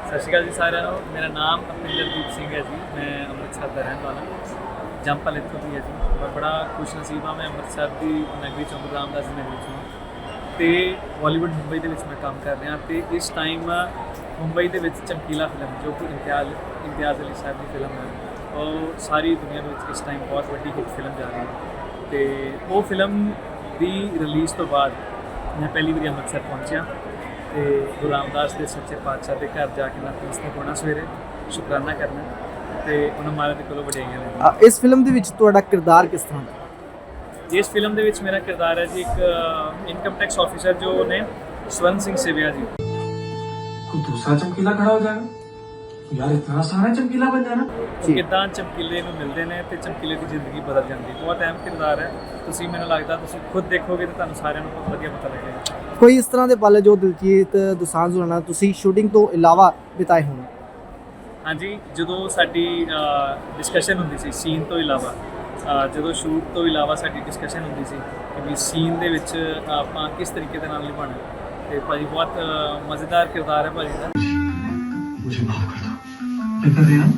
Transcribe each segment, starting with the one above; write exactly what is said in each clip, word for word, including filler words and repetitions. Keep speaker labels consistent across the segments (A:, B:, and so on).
A: ਸਤਿ ਸ਼੍ਰੀ ਅਕਾਲ ਜੀ ਸਾਰਿਆਂ ਨੂੰ। ਮੇਰਾ ਨਾਮ ਅਪਿੰਦਰਦੀਪ ਸਿੰਘ ਹੈ ਜੀ। ਮੈਂ ਅੰਮ੍ਰਿਤਸਰ ਦਾ ਰਹਿਣ ਵਾਲਾ, ਜੰਮਪਲ ਇੱਥੋਂ ਦੀ ਹੈ ਜੀ। ਮੈਂ ਬੜਾ ਖੁਸ਼ ਨਸੀਬ ਹਾਂ, ਮੈਂ ਅੰਮ੍ਰਿਤਸਰ ਦੀ ਨਗਰੀ ਚੋਂ, ਗੁਰੂ ਰਾਮਦਾਸ ਦੀ ਨਗਰੀ ਚੋਂ ਅਤੇ ਬਾਲੀਵੁੱਡ ਮੁੰਬਈ ਦੇ ਵਿੱਚ ਮੈਂ ਕੰਮ ਕਰ ਰਿਹਾ। ਅਤੇ ਇਸ ਟਾਈਮ ਮੁੰਬਈ ਦੇ ਵਿੱਚ ਚਮਕੀਲਾ ਫਿਲਮ, ਜੋ ਕਿ ਇਮਤਿਆਜ਼ ਇਮਤਿਆਜ਼ ਅਲੀ ਸਾਹਿਬ ਦੀ ਫਿਲਮ ਹੈ, ਉਹ ਸਾਰੀ ਦੁਨੀਆ ਦੇ ਵਿੱਚ ਇਸ ਟਾਈਮ ਬਹੁਤ ਵੱਡੀ ਹਿੱਟ ਫਿਲਮ ਜਾ ਰਹੀ ਹੈ। ਅਤੇ ਉਹ ਫਿਲਮ ਦੀ ਰਿਲੀਜ਼ ਤੋਂ ਬਾਅਦ ਮੈਂ ਪਹਿਲੀ ਵਾਰੀ ਅੰਮ੍ਰਿਤਸਰ ਪਹੁੰਚਿਆ ਅਤੇ ਗੁਰੂ ਰਾਮਦਾਸ ਦੇ ਸੱਚੇ ਪਾਤਸ਼ਾਹ ਦੇ ਘਰ ਜਾ ਕੇ ਨਤਮਸਤਕ ਹੋਣਾ, ਸਵੇਰੇ ਸ਼ੁਕਰਾਨਾ ਕਰਨਾ ਅਤੇ ਉਹਨਾਂ ਮਹਾਰਾਜ ਦੇ ਕੋਲੋਂ ਵਡਿਆਈਆਂ ਲੈਣੀਆਂ।
B: ਇਸ ਫਿਲਮ ਦੇ ਵਿੱਚ ਤੁਹਾਡਾ ਕਿਰਦਾਰ ਕਿਸ ਤਰ੍ਹਾਂ ਦਾ?
A: ਇਸ ਫਿਲਮ ਦੇ ਵਿੱਚ ਮੇਰਾ ਕਿਰਦਾਰ ਹੈ ਜੀ ਇੱਕ ਇਨਕਮ ਟੈਕਸ ਆਫਿਸਰ ਜੋ ਨੇ ਸਵਰਨ ਸਿੰਘ ਸੇਵਿਆ ਜੀ।
C: कोई दूसरा चमकीला खड़ा हो जाएगा यार, इतना सारा चमकीला बन जाना।
A: ਕਿੱਦਾਂ ਚਮਕੀਲੇ ਨੂੰ ਮਿਲਦੇ ਨੇ ਅਤੇ ਚਮਕੀਲੇ ਦੀ ਜ਼ਿੰਦਗੀ ਬਦਲ ਜਾਂਦੀ। ਬਹੁਤ ਅਹਿਮ ਕਿਰਦਾਰ ਹੈ। ਤੁਸੀਂ ਮੈਨੂੰ ਲੱਗਦਾ ਤੁਸੀਂ ਖੁਦ ਦੇਖੋਗੇ ਤਾਂ ਤੁਹਾਨੂੰ ਸਾਰਿਆਂ ਨੂੰ ਬਹੁਤ ਵਧੀਆ ਪਤਾ ਲੱਗੇਗਾ।
B: ਕੋਈ ਇਸ ਤਰ੍ਹਾਂ ਦੇ ਪਲ ਜੋ ਦਿਲਜੀਤ ਦੋਸਾਂਝ ਹੋਣਾ ਨਾਲ ਤੁਸੀਂ ਸ਼ੂਟਿੰਗ ਤੋਂ ਇਲਾਵਾ ਬਿਤਾਏ ਹੋਣ?
A: ਹਾਂਜੀ, ਜਦੋਂ ਸਾਡੀ ਡਿਸਕਸ਼ਨ ਹੁੰਦੀ ਸੀ ਸੀਨ ਤੋਂ ਇਲਾਵਾ, ਅ, ਜਦੋਂ ਸ਼ੂਟ ਤੋਂ ਇਲਾਵਾ ਸਾਡੀ ਡਿਸਕਸ਼ਨ ਹੁੰਦੀ ਸੀ ਕਿ ਵੀ ਸੀਨ ਦੇ ਵਿੱਚ ਆਪਾਂ ਕਿਸ ਤਰੀਕੇ ਦੇ ਨਾਲ ਨਿਭਾਉਣਾ। ਅਤੇ ਭਾਜੀ ਬਹੁਤ ਅ, ਮਜ਼ੇਦਾਰ ਕਿਰਦਾਰ ਹੈ ਭਾਜੀ ਦਾ।
C: मुझे माफ कर दो। मैं कर रही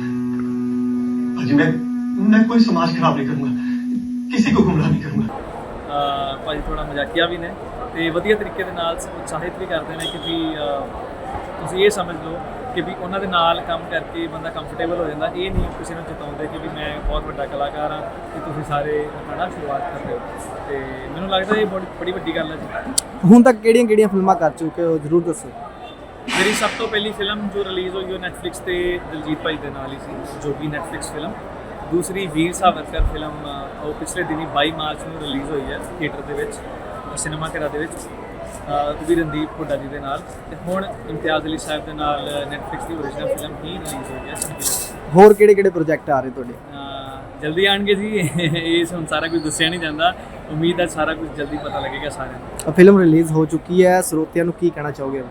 C: भाजी, मैं मैं कोई समाज खराब नहीं करूंगा, किसी को गुमराह नहीं करूंगा।
A: ਅ, ਭਾਜੀ ਥੋੜ੍ਹਾ ਮਜ਼ਾਕੀਆ ਵੀ ਨੇ ਅਤੇ ਵਧੀਆ ਤਰੀਕੇ ਦੇ ਨਾਲ ਉਤਸ਼ਾਹਿਤ ਵੀ ਕਰਦੇ ਨੇ ਕਿ ਵੀ ਅ, ਤੁਸੀਂ ਇਹ ਸਮਝ ਲਓ ਕਿ ਵੀ ਉਹਨਾਂ ਦੇ ਨਾਲ ਕੰਮ ਕਰਕੇ ਬੰਦਾ ਕੰਫਰਟੇਬਲ ਹੋ ਜਾਂਦਾ। ਇਹ ਨਹੀਂ ਕਿਸੇ ਨੂੰ ਚਿਤਾਉਂਦੇ ਕਿ ਵੀ ਮੈਂ ਬਹੁਤ ਵੱਡਾ ਕਲਾਕਾਰ ਹਾਂ ਕਿ ਤੁਸੀਂ ਸਾਰੇ ਆਪਣਾ ਸ਼ੁਰੂਆਤ ਕਰ ਰਹੇ ਹੋ। ਅਤੇ ਮੈਨੂੰ ਲੱਗਦਾ ਇਹ ਬੜੀ ਬੜੀ ਵੱਡੀ ਗੱਲ ਹੈ ਜੀ।
B: ਹੁਣ ਤੱਕ ਕਿਹੜੀਆਂ ਕਿਹੜੀਆਂ ਫਿਲਮਾਂ ਕਰ ਚੁੱਕੇ ਹੋ, ਜ਼ਰੂਰ ਦੱਸੋ।
A: ਮੇਰੀ ਸਭ ਤੋਂ ਪਹਿਲੀ ਫਿਲਮ ਜੋ ਰਿਲੀਜ਼ ਹੋਈ ਉਹ ਨੈਟਫਲਿਕਸ 'ਤੇ ਦਿਲਜੀਤ ਭਾਈ ਦੇ ਨਾਲ ਹੀ ਸੀ, ਜੋ ਕਿ ਨੈਟਫਲਿਕਸ ਫਿਲਮ। ਦੂਸਰੀ ਵੀਰ ਸਾਵਰਕਰ ਫਿਲਮ, ਅ, ਉਹ ਪਿਛਲੇ ਦਿਨੀ ਬਾਈ ਮਾਰਚ ਨੂੰ ਰਿਲੀਜ਼ ਹੋਈ ਹੈ ਥੀਏਟਰ ਦੇ ਵਿੱਚ, ਸਿਨੇਮਾ ਘਰਾਂ ਦੇ ਵਿੱਚ, ਉਹ ਵੀ ਰਣਦੀਪ ਹੁੱਡਾ ਜੀ ਦੇ ਨਾਲ। ਅਤੇ ਹੁਣ ਇਮਤਿਆਜ਼ ਅਲੀ ਸਾਹਿਬ ਦੇ ਨਾਲ ਨੈਟਫਲਿਕਸ ਦੀ ਓਰੀਜਨਲ ਫਿਲਮ ਹੀ ਰਿਲੀਜ਼ ਹੋਈ ਹੈ ਚਮਕੀਲਾ।
B: ਹੋਰ ਕਿਹੜੇ ਕਿਹੜੇ ਪ੍ਰੋਜੈਕਟ ਆ ਰਹੇ ਤੁਹਾਡੇ?
A: ਅ, ਜਲਦੀ ਆਉਣਗੇ ਜੀ। ਇਹ ਹੁਣ ਸਾਰਾ ਕੁਝ ਦੱਸਿਆ ਨਹੀਂ ਜਾਂਦਾ। ਉਮੀਦ ਹੈ ਸਾਰਾ ਕੁਝ ਜਲਦੀ ਪਤਾ ਲੱਗੇਗਾ ਸਾਰਿਆਂ ਨੂੰ।
B: ਫਿਲਮ ਰਿਲੀਜ਼ ਹੋ ਚੁੱਕੀ ਹੈ, ਸਰੋਤਿਆਂ ਨੂੰ ਕੀ ਕਹਿਣਾ ਚਾਹੋਗੇ?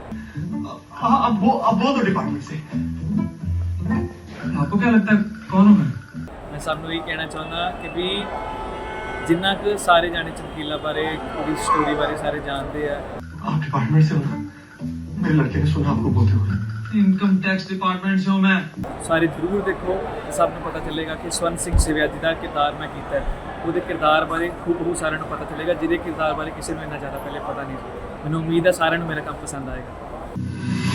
C: हाँ, अब वो अब वो तो डिपार्टमेंट से। आपको क्या लगता है कौन हूँ मैं?
A: ਮੈਂ ਸਭ ਨੂੰ ਇਹ ਕਹਿਣਾ ਚਾਹੁੰਦਾ ਕਿ ਵੀ ਜਿੰਨਾ ਕੁ ਸਾਰੇ ਜਾਣੇ ਚਮਕੀਲਾ ਬਾਰੇ, ਉਹਦੀ ਸਟੋਰੀ ਬਾਰੇ ਸਾਰੇ ਜਾਣਦੇ ਆ।
C: आप डिपार्टमेंट से हो ना? मेरे लड़के ने सुना आपको बोलते हुए। इनकम टैक्स डिपार्टमेंट से हूँ मैं।
A: ਸਾਰੇ ਜ਼ਰੂਰ ਦੇਖੋ, ਸਭ ਨੂੰ ਪਤਾ ਚੱਲੇਗਾ ਕਿ ਸਵਰਨ ਸਿੰਘ ਸੇਵਿਆ ਜੀ ਦਾ ਕਿਰਦਾਰ ਮੈਂ ਕੀਤਾ ਹੈ। ਉਹਦੇ ਕਿਰਦਾਰ ਬਾਰੇ ਖੂਬ ਸਾਰਿਆਂ ਨੂੰ ਪਤਾ ਚੱਲੇਗਾ, ਜਿਹਦੇ ਕਿਰਦਾਰ ਬਾਰੇ ਕਿਸੇ ਨੂੰ ਇੰਨਾ ਜ਼ਿਆਦਾ ਪਹਿਲੇ ਪਤਾ ਨਹੀਂ ਸੀ। ਮੈਨੂੰ ਉਮੀਦ ਹੈ ਸਾਰਿਆਂ ਨੂੰ ਮੇਰਾ ਕੰਮ ਪਸੰਦ ਆਏਗਾ।